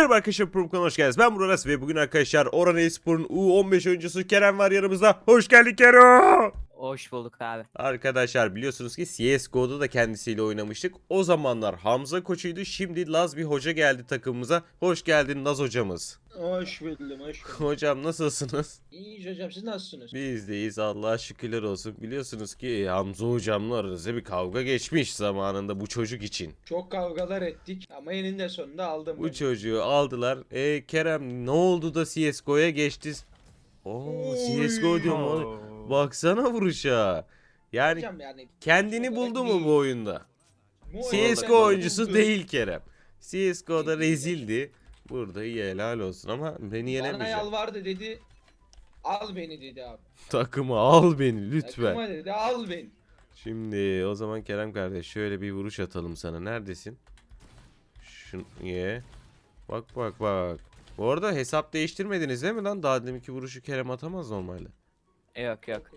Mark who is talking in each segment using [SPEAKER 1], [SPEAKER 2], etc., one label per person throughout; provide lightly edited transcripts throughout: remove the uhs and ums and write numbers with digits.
[SPEAKER 1] Merhaba arkadaşlar, Promko'na hoş geldiniz. Ben Burak ve bugün arkadaşlar Orhan Espor'un U15 oyuncusu Kerem var yanımızda. Hoş geldin Kerem.
[SPEAKER 2] Hoş bulduk abi.
[SPEAKER 1] Arkadaşlar biliyorsunuz ki CSGO'da da kendisiyle oynamıştık. O zamanlar Hamza koçuydu. Şimdi Laz bir hoca geldi takımımıza. Hoş geldin Laz hocamız.
[SPEAKER 3] Hoş buldum, hoş buldum.
[SPEAKER 1] Hocam nasılsınız?
[SPEAKER 3] İyiyiz hocam, siz nasılsınız?
[SPEAKER 1] Biz deyiz, Allah'a şükürler olsun. Biliyorsunuz ki Hamza hocamla aranızda bir kavga geçmiş zamanında bu çocuk için.
[SPEAKER 3] Çok kavgalar ettik ama eninde sonunda aldım
[SPEAKER 1] Bu
[SPEAKER 3] ben.
[SPEAKER 1] çocuğu aldılar. Kerem ne oldu da CSGO'ya geçti? Oo, CSGO diyorum oğlum. Baksana vuruşa. Yani
[SPEAKER 3] Hocam yani
[SPEAKER 1] kendini buldu mu bu oyunda?
[SPEAKER 3] Bu oyunda
[SPEAKER 1] CSGO
[SPEAKER 3] kendini
[SPEAKER 1] oyuncusu
[SPEAKER 3] buldu.
[SPEAKER 1] değil Kerem. CSGO'da rezildi. Burada iyi, helal olsun ama beni
[SPEAKER 3] Bana
[SPEAKER 1] yenemeyecek.
[SPEAKER 3] yalvardı dedi. Al beni dedi abi.
[SPEAKER 1] Takımı al beni lütfen.
[SPEAKER 3] Takıma dedi al beni.
[SPEAKER 1] Şimdi o zaman Kerem kardeş şöyle bir vuruş atalım sana. Neredesin? Şunu ye. Bak bak bak. Bu arada hesap değiştirmediniz değil mi lan? Daha deminki vuruşu Kerem atamaz normalde.
[SPEAKER 2] Yok yok.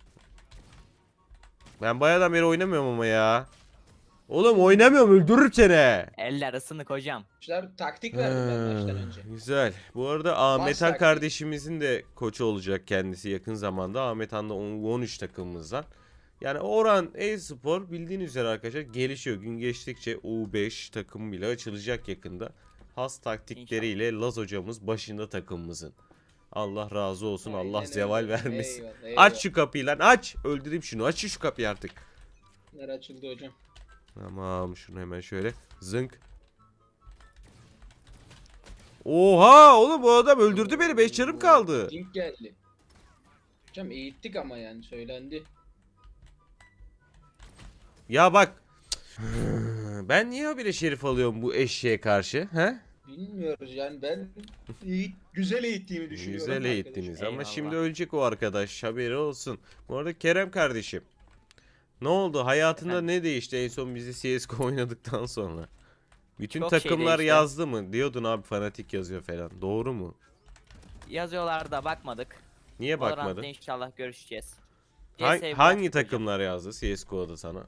[SPEAKER 1] Ben bayağıdan beri oynamıyorum ama ya. Oğlum oynamıyorum, öldürür seni.
[SPEAKER 2] Eller ısınık hocam.
[SPEAKER 3] İşte taktik verdim ben maçtan önce.
[SPEAKER 1] Güzel. Bu arada Ahmet Han
[SPEAKER 3] taktiği.
[SPEAKER 1] kardeşimizin de koçu olacak kendisi yakın zamanda. Ahmet Han da 13 takımımızdan. Yani Orhan e-spor bildiğiniz üzere arkadaşlar gelişiyor. Gün geçtikçe U5 takım bile açılacak yakında. Has taktikleriyle Laz hocamız başında takımımızın. Allah razı olsun.
[SPEAKER 3] Aynen
[SPEAKER 1] Allah
[SPEAKER 3] öyle.
[SPEAKER 1] zeval vermesin.
[SPEAKER 3] Eyvallah, eyvallah.
[SPEAKER 1] Aç şu kapıyı lan, aç. Öldüreyim şunu. Aç şu kapıyı artık.
[SPEAKER 3] Bunlar açıldı hocam.
[SPEAKER 1] Tamam, şunu hemen şöyle zınk. Oha oğlum, bu adam öldürdü beni, 5 canım kaldı.
[SPEAKER 3] Link geldi. Hocam eğittik ama yani söylendi.
[SPEAKER 1] Ya bak. Ben niye habire şerif alıyorum bu eşeğe karşı? He?
[SPEAKER 3] Bilmiyoruz yani ben güzel eğittiğimi düşünüyorum.
[SPEAKER 1] Güzel
[SPEAKER 3] arkadaşlar.
[SPEAKER 1] eğittiniz ama
[SPEAKER 2] Eyvallah.
[SPEAKER 1] şimdi ölecek o arkadaş, haberi olsun. Bu arada Kerem kardeşim, ne oldu hayatında,
[SPEAKER 2] Efendim?
[SPEAKER 1] ne değişti en son bizi CSGO oynadıktan sonra? Bütün
[SPEAKER 2] Çok şey
[SPEAKER 1] takımlar
[SPEAKER 2] değişti.
[SPEAKER 1] yazdı mı? Diyordun abi, fanatik yazıyor falan. Doğru mu?
[SPEAKER 2] Yazıyorlar da bakmadık.
[SPEAKER 1] Niye
[SPEAKER 2] Valorant'ta
[SPEAKER 1] bakmadın?
[SPEAKER 2] inşallah görüşeceğiz.
[SPEAKER 1] Hangi
[SPEAKER 2] bıraktık hocam.
[SPEAKER 1] takımlar yazdı CSGO'da sana?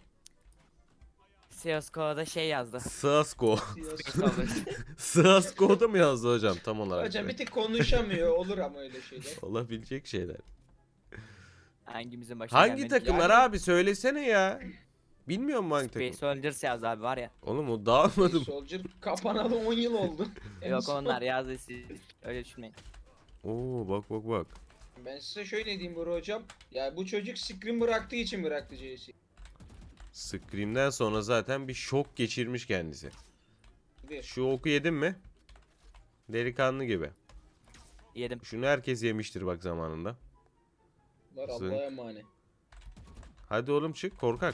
[SPEAKER 2] CSGO'da şey yazdı.
[SPEAKER 1] CSGO.
[SPEAKER 3] Siyasi-
[SPEAKER 1] CSGO'da mı yazdı hocam tam olarak?
[SPEAKER 3] Hocam bir tık konuşamıyor olur ama öyle şeyler.
[SPEAKER 1] Olabilecek şeyler.
[SPEAKER 2] Hangimizin başına
[SPEAKER 1] Hangi
[SPEAKER 2] gelmedi?
[SPEAKER 1] takımlar
[SPEAKER 3] Yani-
[SPEAKER 1] abi, söylesene ya. Bilmiyor musun hangi takım?
[SPEAKER 2] Space Soldiers yazdı abi var ya.
[SPEAKER 1] Oğlum o dağılmadım.
[SPEAKER 3] Soldier kapanalı 10 yıl oldu. En
[SPEAKER 2] Yok
[SPEAKER 3] son-
[SPEAKER 2] onlar yazdı, siz öyle düşünmeyin.
[SPEAKER 1] Oo bak bak bak.
[SPEAKER 3] Ben size şöyle diyeyim Buru hocam. Ya bu çocuk screen bıraktığı için bıraktı CS.
[SPEAKER 1] Scream'den sonra zaten bir şok geçirmiş kendisi.
[SPEAKER 3] Bir.
[SPEAKER 1] Şu oku yedin mi? Delikanlı gibi.
[SPEAKER 2] Yedim.
[SPEAKER 1] Şunu herkes yemiştir bak zamanında.
[SPEAKER 3] Var
[SPEAKER 1] Zınk.
[SPEAKER 3] Allah'a emanet.
[SPEAKER 1] Hadi oğlum çık korkak.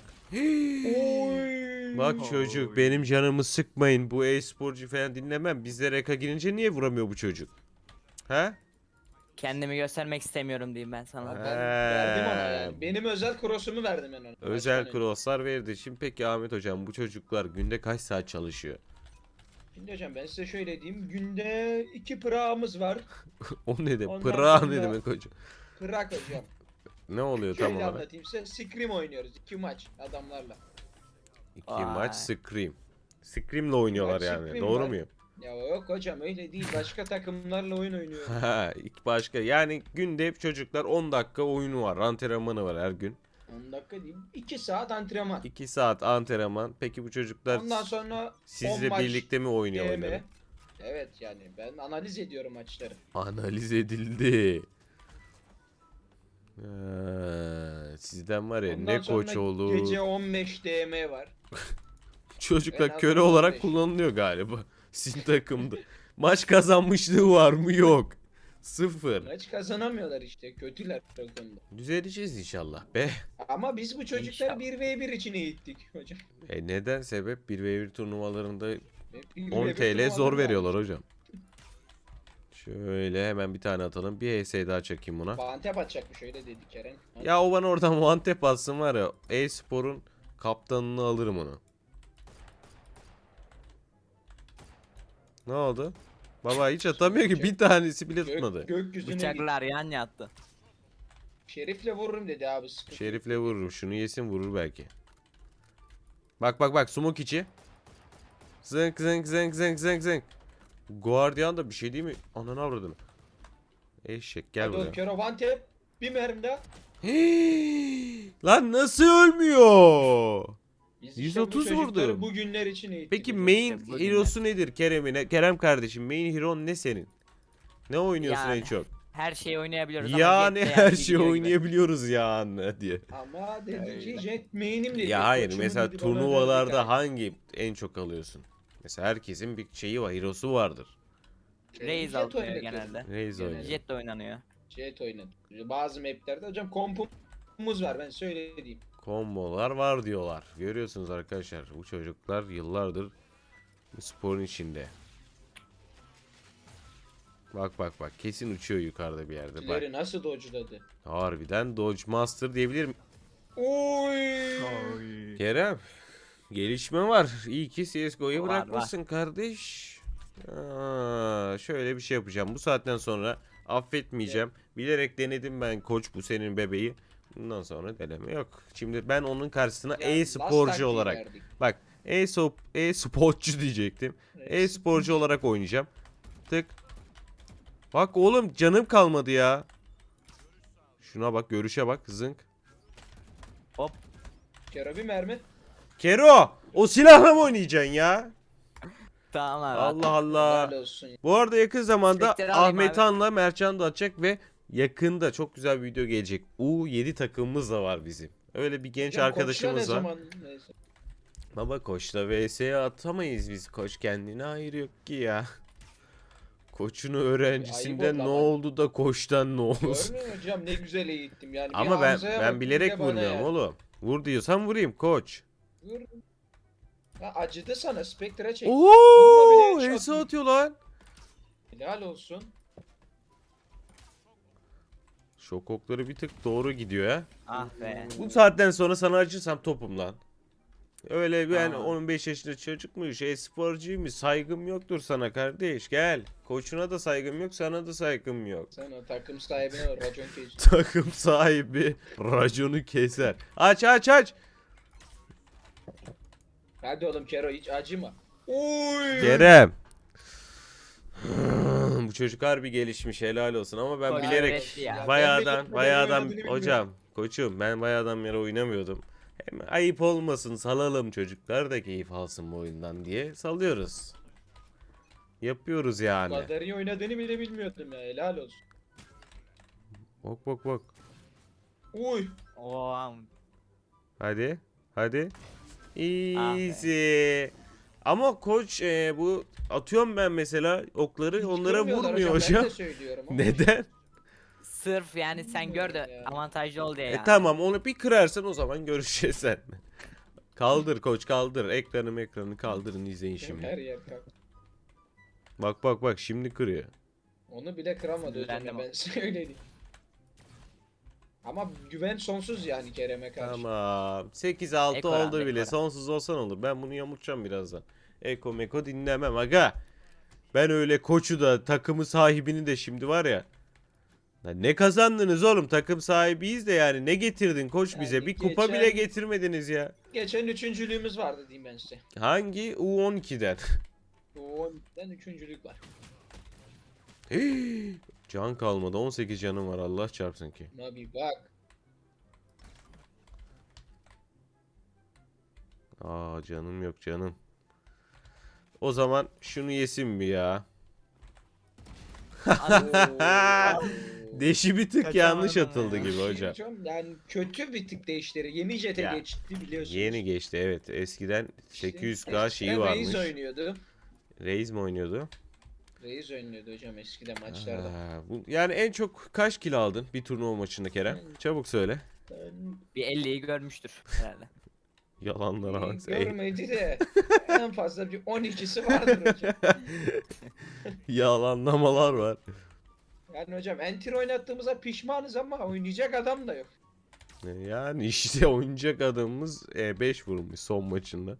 [SPEAKER 3] Oy.
[SPEAKER 1] Bak çocuk, benim canımı sıkmayın. Bu e-sporcu falan dinlemem. Bizde reka girince niye vuramıyor bu çocuk? He?
[SPEAKER 2] Kendimi göstermek istemiyorum diyeyim ben sana.
[SPEAKER 3] Ben verdim ona yani. Benim özel cross'umu verdim ben ona.
[SPEAKER 1] Özel
[SPEAKER 3] Baştan önce.
[SPEAKER 1] crosslar verdi. Şimdi peki Ahmet hocam, bu çocuklar günde kaç saat çalışıyor?
[SPEAKER 3] Şimdi hocam ben size şöyle diyeyim. Günde 2 pırağımız var.
[SPEAKER 1] O ne demek?
[SPEAKER 3] Ondan
[SPEAKER 1] Pıra
[SPEAKER 3] sonra-
[SPEAKER 1] ne demek hocam?
[SPEAKER 3] Pırak hocam.
[SPEAKER 1] Ne oluyor tam
[SPEAKER 3] Şöyle
[SPEAKER 1] olarak?
[SPEAKER 3] anlatayım size. Scrim oynuyoruz. 2 maç adamlarla.
[SPEAKER 1] 2
[SPEAKER 2] Vay.
[SPEAKER 1] maç Scream. Scream'le oynuyorlar
[SPEAKER 3] Maç
[SPEAKER 1] yani.
[SPEAKER 3] Scream
[SPEAKER 1] Doğru
[SPEAKER 3] var.
[SPEAKER 1] muyum?
[SPEAKER 3] Ya yok hocam öyle değil. Başka takımlarla oyun oynuyoruz.
[SPEAKER 1] Ha, ilk başka. Yani günde hep çocuklar 10 dakika oyunu var. Antrenmanı var her gün.
[SPEAKER 3] 10 dakika değil. 2 saat antrenman.
[SPEAKER 1] 2 saat antrenman. Peki bu çocuklar
[SPEAKER 3] Ondan sonra 10
[SPEAKER 1] sizle
[SPEAKER 3] maç
[SPEAKER 1] birlikte mi oynuyor
[SPEAKER 3] DM.
[SPEAKER 1] oyunları?
[SPEAKER 3] Evet yani ben analiz ediyorum maçları.
[SPEAKER 1] Analiz edildi. Sizden var ya
[SPEAKER 3] Ondan
[SPEAKER 1] ne
[SPEAKER 3] sonra
[SPEAKER 1] koç olur.
[SPEAKER 3] gece 15 DM var.
[SPEAKER 1] Çocuklar
[SPEAKER 3] En
[SPEAKER 1] köle
[SPEAKER 3] az
[SPEAKER 1] olarak
[SPEAKER 3] 15.
[SPEAKER 1] kullanılıyor galiba. Sizin takımda. Maç kazanmışlığı var mı? Yok. Sıfır.
[SPEAKER 3] Maç kazanamıyorlar işte. Kötüler o konuda.
[SPEAKER 1] Düzeleceğiz inşallah be.
[SPEAKER 3] Ama biz bu çocukları
[SPEAKER 2] İnşallah.
[SPEAKER 3] 1v1 için eğittik hocam.
[SPEAKER 1] Neden sebep? 1v1 turnuvalarında
[SPEAKER 3] Hep 1v1
[SPEAKER 1] 10 TL
[SPEAKER 3] turnuvaları
[SPEAKER 1] zor
[SPEAKER 3] var.
[SPEAKER 1] veriyorlar hocam. Şöyle hemen bir tane atalım. Bir HS daha çekeyim buna.
[SPEAKER 3] Bantep atacakmış öyle dedi Kerem.
[SPEAKER 1] Ya o bana oradan one tap atsın var ya. E-spor'un kaptanını alırım onu. Ne oldu? Baba hiç atamıyor ki, bir tanesi bile tutmadı.
[SPEAKER 3] Gökyüzüne git.
[SPEAKER 2] Bıçaklar yan yattı.
[SPEAKER 3] Şerif'le vururum dedi abi sıkıntı.
[SPEAKER 1] Şerif'le vururum. Şunu yesin, vurur belki. Bak bak bak, smoke içi. Zınk zınk zınk zınk zınk zınk. Guardian da bir şey değil mi? Ananı avradını. Eşek gel
[SPEAKER 3] Hadi oğlum
[SPEAKER 1] buraya.
[SPEAKER 3] Kero one tap. Bir mermi daha.
[SPEAKER 1] Lan nasıl ölmüyor?
[SPEAKER 3] Biz işte
[SPEAKER 1] 130
[SPEAKER 3] bu çocukları
[SPEAKER 1] vurdu.
[SPEAKER 3] Bu günler için eğittik.
[SPEAKER 1] Peki
[SPEAKER 3] hocam.
[SPEAKER 1] main
[SPEAKER 2] İşte bugünler.
[SPEAKER 1] hero'su nedir Kerem'in? Kerem kardeşim main hero ne senin? Ne oynuyorsun
[SPEAKER 2] Yani,
[SPEAKER 1] en çok?
[SPEAKER 2] Her şeyi oynayabiliyoruz ama
[SPEAKER 1] Yani
[SPEAKER 2] Jet de
[SPEAKER 1] her
[SPEAKER 2] yani
[SPEAKER 1] şeyi
[SPEAKER 2] biliyor gibi.
[SPEAKER 1] oynayabiliyoruz yani diye.
[SPEAKER 3] Ama dedi ki
[SPEAKER 2] Öyle.
[SPEAKER 3] Jet main'im dedi.
[SPEAKER 1] Ya hayır
[SPEAKER 3] Koçumun
[SPEAKER 1] mesela
[SPEAKER 3] dedi, bana verdi
[SPEAKER 1] turnuvalarda
[SPEAKER 3] kanka.
[SPEAKER 1] hangi en çok alıyorsun? Mesela herkesin bir şeyi var, hero'su vardır.
[SPEAKER 2] Raze
[SPEAKER 3] Jet
[SPEAKER 2] alınıyor
[SPEAKER 3] oynatıyor.
[SPEAKER 2] genelde.
[SPEAKER 1] Raze
[SPEAKER 3] Genelde.
[SPEAKER 1] oynuyor.
[SPEAKER 2] Jet de oynanıyor.
[SPEAKER 3] Jet oynadı. Bazı maplerde hocam kompumuz var ben söyleyeyim.
[SPEAKER 1] Kombolar var diyorlar. Görüyorsunuz arkadaşlar bu çocuklar yıllardır bu sporun içinde. Bak bak bak kesin uçuyor yukarıda bir yerde. Bak
[SPEAKER 3] Kileri nasıl dodge'ladı?
[SPEAKER 1] harbiden Dodge Master diyebilirim.
[SPEAKER 3] Oy.
[SPEAKER 1] Kerem gelişme var. İyi ki CSGO'yu
[SPEAKER 2] Var,
[SPEAKER 1] bırakmışsın kardeş. Şöyle bir şey yapacağım. Bu saatten sonra affetmeyeceğim. Bilerek denedim ben koç bu senin bebeği. Bundan sonra deneme yok. Şimdi ben onun karşısına
[SPEAKER 3] Ya, last
[SPEAKER 1] e-sporcu
[SPEAKER 3] taktiği
[SPEAKER 1] olarak.
[SPEAKER 3] verdik.
[SPEAKER 1] Bak e-sporcu diyecektim. E-sporcu olarak oynayacağım. Tık. Bak oğlum canım kalmadı ya. Şuna bak görüşe bak zınk.
[SPEAKER 2] Hop.
[SPEAKER 3] Kero bir mermi.
[SPEAKER 1] Kero o silahla mı oynayacaksın ya?
[SPEAKER 2] Tamam abi.
[SPEAKER 1] Allah Allah.
[SPEAKER 3] Helal olsun.
[SPEAKER 1] Bu arada yakın zamanda
[SPEAKER 2] Spectre alayım
[SPEAKER 1] Ahmet
[SPEAKER 2] abi.
[SPEAKER 1] Han'la Mertcan da atacak ve yakında çok güzel bir video gelecek. U7 takımımız da var bizim. Öyle bir genç
[SPEAKER 3] Hocam,
[SPEAKER 1] arkadaşımız
[SPEAKER 3] koçla
[SPEAKER 1] var.
[SPEAKER 3] ne zaman? Neyse.
[SPEAKER 1] Baba koçla vs'ye atamayız biz. Koç kendine hayır yok ki ya. Koçun öğrencisinden
[SPEAKER 3] Ayıp
[SPEAKER 1] ne
[SPEAKER 3] oldu ama.
[SPEAKER 1] oldu da koçtan ne olsun.
[SPEAKER 3] Görmüyor musun hocam ne güzel eğittim yani. Bir
[SPEAKER 1] Ama ben
[SPEAKER 3] Hamza'ya
[SPEAKER 1] ben
[SPEAKER 3] bak,
[SPEAKER 1] bilerek
[SPEAKER 3] bir de bana
[SPEAKER 1] vurmuyorum
[SPEAKER 3] yani.
[SPEAKER 1] oğlum. Vur diyorsan vurayım koç.
[SPEAKER 3] Vur. Ya acıdı sana Spectre'a çek.
[SPEAKER 1] Oo,
[SPEAKER 3] Vurma bile,
[SPEAKER 1] HS
[SPEAKER 3] headshot.
[SPEAKER 1] atıyor lan.
[SPEAKER 3] Helal olsun.
[SPEAKER 1] Şok okları bir tık doğru gidiyor ya.
[SPEAKER 2] Ah be.
[SPEAKER 1] Bu saatten sonra sana acırsam topum lan. Öyle ben
[SPEAKER 2] Aa.
[SPEAKER 1] 15 yaşında çocukmuş, e-sporcuymuş, saygım yoktur sana kardeş. Gel. Koçuna da saygım yok, sana da saygım yok.
[SPEAKER 3] Sen o takım sahibine o racon kes.
[SPEAKER 1] Takım sahibi raconu keser. Aç aç aç.
[SPEAKER 3] Hadi oğlum Kero hiç acıma. Oy.
[SPEAKER 1] Kerem. Bu çocuk harbi gelişmiş helal olsun ama ben
[SPEAKER 2] Koç
[SPEAKER 1] bilerek
[SPEAKER 2] öğretti ya.
[SPEAKER 3] Ben
[SPEAKER 1] bayağıdan
[SPEAKER 3] oynadığını
[SPEAKER 1] hocam koçum ben bayağıdan beri oynamıyordum. Hem ayıp olmasın salalım çocuklar da keyif alsın bu oyundan diye salıyoruz. Yapıyoruz
[SPEAKER 3] Bu
[SPEAKER 1] yani.
[SPEAKER 3] kadar iyi oynadığını bile bilmiyordum ya helal olsun.
[SPEAKER 1] Bak bak bak.
[SPEAKER 3] Uy.
[SPEAKER 2] Oo.
[SPEAKER 1] Hadi. Hadi.
[SPEAKER 2] Ah be.
[SPEAKER 1] Easy. Ama koç bu atıyorum ben mesela okları
[SPEAKER 3] Hiç
[SPEAKER 1] onlara
[SPEAKER 3] görmüyorlar
[SPEAKER 1] vurmuyor
[SPEAKER 3] Ben
[SPEAKER 1] hocam.
[SPEAKER 3] de söylüyorum ama.
[SPEAKER 1] Neden?
[SPEAKER 2] Sırf yani sen gör de
[SPEAKER 3] Ya.
[SPEAKER 2] avantajlı ol diye yani.
[SPEAKER 1] Tamam onu bir kırarsan o zaman görüşeceğiz sen. Kaldır koç kaldır. Ekranı kaldırın izleyin
[SPEAKER 3] Her
[SPEAKER 1] şimdi.
[SPEAKER 3] yer kalk.
[SPEAKER 1] Bak bak bak şimdi kırıyor.
[SPEAKER 3] Onu bile kıramadı hocam
[SPEAKER 2] Sinirlendim
[SPEAKER 3] ya, ben söyleyeyim. Ama güven sonsuz yani Kerem'e karşı.
[SPEAKER 1] Tamam. 8-6
[SPEAKER 2] Ekora,
[SPEAKER 1] oldu bile.
[SPEAKER 2] ekora.
[SPEAKER 1] Sonsuz olsan olur. Ben bunu yamultacağım birazdan. Eko meko dinlemem aga. Ben öyle koçu da takımı sahibini de şimdi var ya. Lan ne kazandınız oğlum? Takım sahibiyiz de yani. Ne getirdin koç
[SPEAKER 3] Yani
[SPEAKER 1] bize? Bir kupa
[SPEAKER 3] geçen-
[SPEAKER 1] bile getirmediniz ya.
[SPEAKER 3] Geçen üçüncülüğümüz vardı diyeyim ben size.
[SPEAKER 1] Hangi? U12'den.
[SPEAKER 3] O 12'den üçüncülük var.
[SPEAKER 1] Can kalmadı. 18 canım var Allah çarpsın ki.
[SPEAKER 3] Buna bir bak.
[SPEAKER 1] Aa canım yok canım. O zaman şunu yesin mi ya?
[SPEAKER 3] Oo.
[SPEAKER 1] Deşi bir tık
[SPEAKER 2] Kaçamadım
[SPEAKER 1] yanlış
[SPEAKER 2] ya.
[SPEAKER 1] atıldı gibi hocam.
[SPEAKER 3] Yani kötü bir tık değişleri. Yeni jete
[SPEAKER 1] Ya,
[SPEAKER 3] geçti biliyorsunuz.
[SPEAKER 1] Yeni geçti evet. Eskiden
[SPEAKER 3] İşte
[SPEAKER 1] 800k şeyi
[SPEAKER 3] eskiden
[SPEAKER 1] varmış.
[SPEAKER 3] Reis oynuyordu.
[SPEAKER 1] Reis mi oynuyordu?
[SPEAKER 3] Reis oynuyordu hocam eskiden maçlarda.
[SPEAKER 1] Yani en çok kaç kilo aldın bir turnuva maçında Kerem? Çabuk söyle.
[SPEAKER 3] Ben
[SPEAKER 2] Bir 50'yi görmüştür herhalde.
[SPEAKER 1] Yalanlara bak.
[SPEAKER 3] görmedi de en fazla bir 12'si vardır hocam.
[SPEAKER 1] Yalanlamalar var.
[SPEAKER 3] Yani hocam enter oynattığımıza pişmanız ama oynayacak adam da yok.
[SPEAKER 1] Yani işte oyuncak adamımız 5 vurmuş son maçında.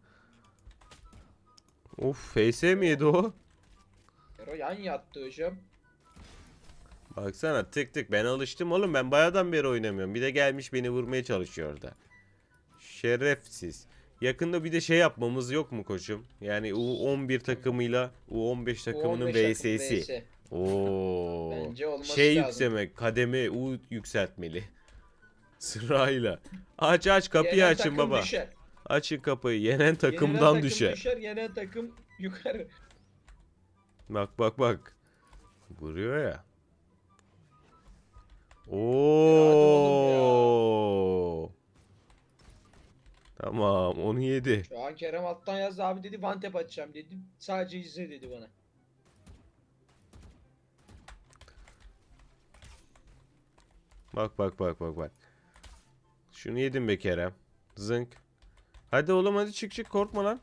[SPEAKER 1] Of FS mi yedi o?
[SPEAKER 3] Ero yan yattı hocam.
[SPEAKER 1] Baksana tık tık ben alıştım oğlum ben bayağıdan beri oynamıyorum. Bir de gelmiş beni vurmaya çalışıyor orada. Şerefsiz. Yakında bir de şey yapmamız yok mu koçum? Yani U11 takımıyla U15 takımının
[SPEAKER 3] 15 takım
[SPEAKER 1] VS'si.
[SPEAKER 3] VS.
[SPEAKER 1] Oo.
[SPEAKER 3] Bence olması
[SPEAKER 1] Şey
[SPEAKER 3] lazım.
[SPEAKER 1] yükselmek, kademe U yükseltmeli. Sırayla. Aç kapıyı
[SPEAKER 3] Yenen
[SPEAKER 1] açın
[SPEAKER 3] takım
[SPEAKER 1] baba.
[SPEAKER 3] düşer.
[SPEAKER 1] Açın kapıyı. Yenen
[SPEAKER 3] Yenilen
[SPEAKER 1] takımdan
[SPEAKER 3] takım
[SPEAKER 1] düşer.
[SPEAKER 3] Yenen takım yukarı.
[SPEAKER 1] Bak. Vuruyor ya.
[SPEAKER 3] oğlum ya.
[SPEAKER 1] Oo. Tamam, onu yedi.
[SPEAKER 3] Şu an Kerem alttan yazdı abi dedi one tap atacağım dedi. Sadece izle dedi bana.
[SPEAKER 1] Bak. Şunu yedim be Kerem. Zınk. Hadi oğlum hadi çık korkma lan.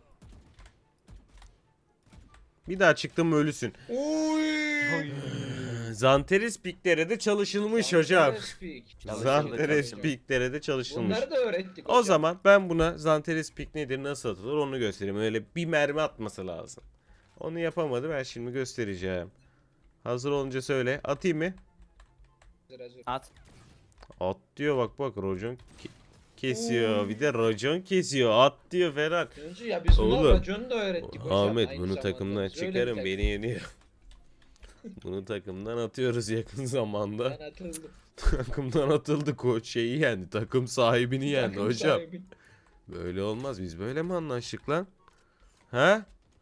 [SPEAKER 1] Bir daha çıktım mı ölüsün.
[SPEAKER 3] Oy.
[SPEAKER 1] Zanteris piklere de çalışılmış hocam. Zanteris
[SPEAKER 2] Çalışıldı.
[SPEAKER 1] piklere de çalışılmış.
[SPEAKER 3] Bunları da öğrettik
[SPEAKER 1] O
[SPEAKER 3] hocam.
[SPEAKER 1] zaman ben buna Zanteris pik nedir, nasıl atılır onu göstereyim. Öyle bir mermi atması lazım. Onu yapamadı, ben şimdi göstereceğim. Hazır olunca söyle. Atayım mı?
[SPEAKER 3] Hazır.
[SPEAKER 2] At.
[SPEAKER 1] At diyor, bak racon kesiyor.
[SPEAKER 3] Oo.
[SPEAKER 1] Bir de racon kesiyor. At diyor Ferhat.
[SPEAKER 3] Önce ya biz buna
[SPEAKER 1] Oğlum.
[SPEAKER 3] raconu da öğrettik hocam.
[SPEAKER 1] Ahmet
[SPEAKER 3] aynı
[SPEAKER 1] bunu
[SPEAKER 3] zamanda.
[SPEAKER 1] takımdan
[SPEAKER 3] Biz öyle
[SPEAKER 1] çıkarın,
[SPEAKER 3] bir
[SPEAKER 1] beni yeniyor. Bunu takımdan atıyoruz yakın zamanda.
[SPEAKER 3] Ben atıldım.
[SPEAKER 1] Takımdan atıldı, koç şeyi yendi. Takım sahibini yendi
[SPEAKER 3] Takım
[SPEAKER 1] hocam.
[SPEAKER 3] sahibi.
[SPEAKER 1] Böyle olmaz, biz böyle mi anlaştık lan? He?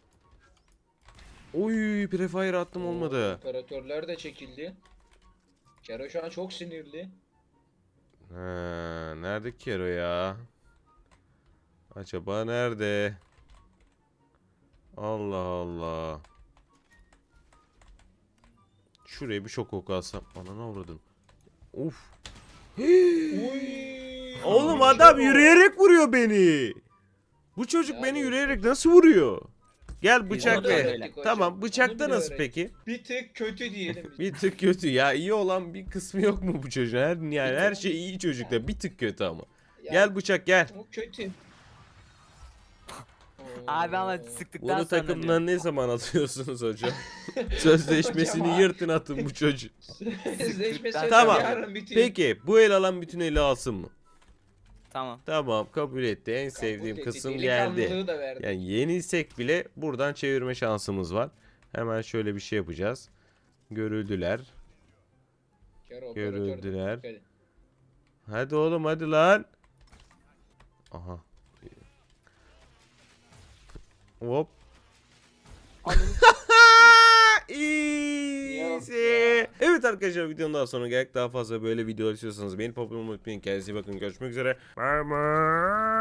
[SPEAKER 1] Oy, prefire attım olmadı.
[SPEAKER 3] Operatörler de çekildi. Kero şu an çok sinirli.
[SPEAKER 1] Ha, nerede Kero ya? Acaba nerede? Allah Allah. Şuraya bir şok oku alsam. Ananı avradım. Uf.
[SPEAKER 3] Uy.
[SPEAKER 1] Oğlum adam yürüyerek vuruyor beni. Bu çocuk
[SPEAKER 3] Ya
[SPEAKER 1] beni
[SPEAKER 3] bu-
[SPEAKER 1] yürüyerek nasıl vuruyor? Gel
[SPEAKER 2] Biz
[SPEAKER 1] bıçak
[SPEAKER 2] onu da
[SPEAKER 1] ver.
[SPEAKER 2] öğrendik
[SPEAKER 3] hocam.
[SPEAKER 1] Tamam,
[SPEAKER 3] Onu
[SPEAKER 1] bıçakta
[SPEAKER 3] bile
[SPEAKER 1] nasıl
[SPEAKER 3] öğrendik.
[SPEAKER 1] peki?
[SPEAKER 3] Bir tık kötü diyelim biz.
[SPEAKER 1] Bir tık kötü ya, iyi olan bir kısmı yok mu bu çocuğun? Yani her şey iyi çocukta, bir tık kötü ama.
[SPEAKER 3] Ya,
[SPEAKER 1] Gel bıçak gel.
[SPEAKER 3] o kötü.
[SPEAKER 2] Abi ama
[SPEAKER 3] Oo.
[SPEAKER 2] sıktıktan
[SPEAKER 1] Bunu
[SPEAKER 2] sonra
[SPEAKER 1] takımdan ne zaman atıyorsunuz hocam? Sözleşmesini
[SPEAKER 3] Hocam,
[SPEAKER 1] yırtın atın bu çocuğu.
[SPEAKER 3] Sözleşmesi
[SPEAKER 1] Tamam.
[SPEAKER 3] yarın bitiyor.
[SPEAKER 1] Peki bu el alan bütün eli alsın mı?
[SPEAKER 2] Tamam.
[SPEAKER 1] Tamam, kabul etti. En
[SPEAKER 3] Kabul
[SPEAKER 1] sevdiğim
[SPEAKER 3] etti,
[SPEAKER 1] kısım geldi.
[SPEAKER 3] delikanlılığı da verdi.
[SPEAKER 1] Yani yenilsek bile buradan çevirme şansımız var. Hemen şöyle bir şey yapacağız. Görüldüler.
[SPEAKER 3] Kero operatör de-
[SPEAKER 1] Görüldüler.
[SPEAKER 3] Hadi.
[SPEAKER 1] Hadi oğlum hadi lan. Aha. Hop. Easy. Evet arkadaşlar, videonun daha sonra geldik. Daha fazla böyle videolar istiyorsanız beni popüler unutmayın. Kendinize iyi bakın. Görüşmek üzere. Bye bye.